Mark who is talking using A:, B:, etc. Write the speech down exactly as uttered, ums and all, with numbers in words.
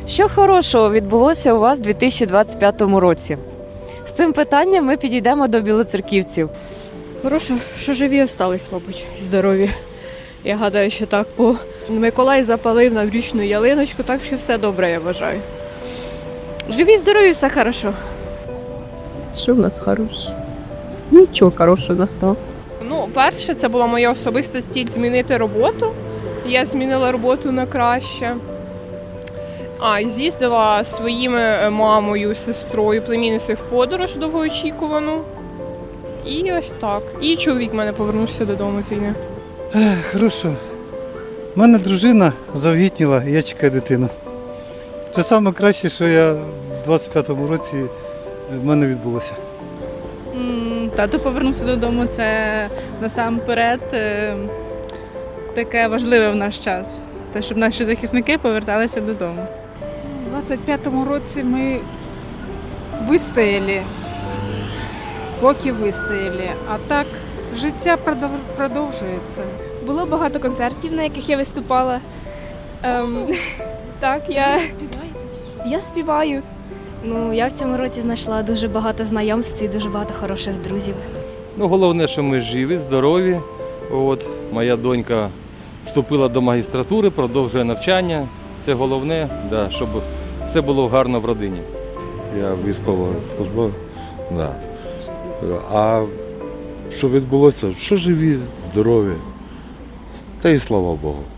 A: Що хорошого відбулося у вас у дві тисячі двадцять п'ятому році? З цим питанням ми підійдемо до білоцерківців.
B: Хороше, що живі остались, мабуть, здорові. Я гадаю, що так, бо Миколай запалив наврічну ялиночку, так що все добре, я вважаю. Живі, здорові, все хорошо.
C: Що в нас хороше? Нічого хорошого у нас там.
D: Ну, перше, це була моя особиста ціль змінити роботу. Я змінила роботу на краще. А, і з'їздила зі своїми мамою, сестрою, племінницею в подорож довгоочікувану. І ось так. І чоловік в мене повернувся додому з війни.
E: Ех, хорошо. У мене дружина завагітніла, і я чекаю дитину. Це найкраще, що я в двадцять п'ятому році в мене відбулося.
F: М, Тато повернувся додому, це насамперед е, таке важливе в наш час. Те, щоб наші захисники поверталися додому.
G: У двадцять п'ятому році ми вистояли, поки вистояли, а так життя продов- продовжується.
H: Було багато концертів, на яких я виступала. Ем, так, я, я співаю. Ну, я в цьому році знайшла дуже багато знайомств і дуже багато хороших друзів.
I: Ну, головне, що ми живі, здорові. От, моя донька вступила до магістратури, продовжує навчання. Це головне, да, щоб все було гарно в родині.
J: Я військовослужбовець, да. А що відбулося? Що живі, здорові, та й слава Богу.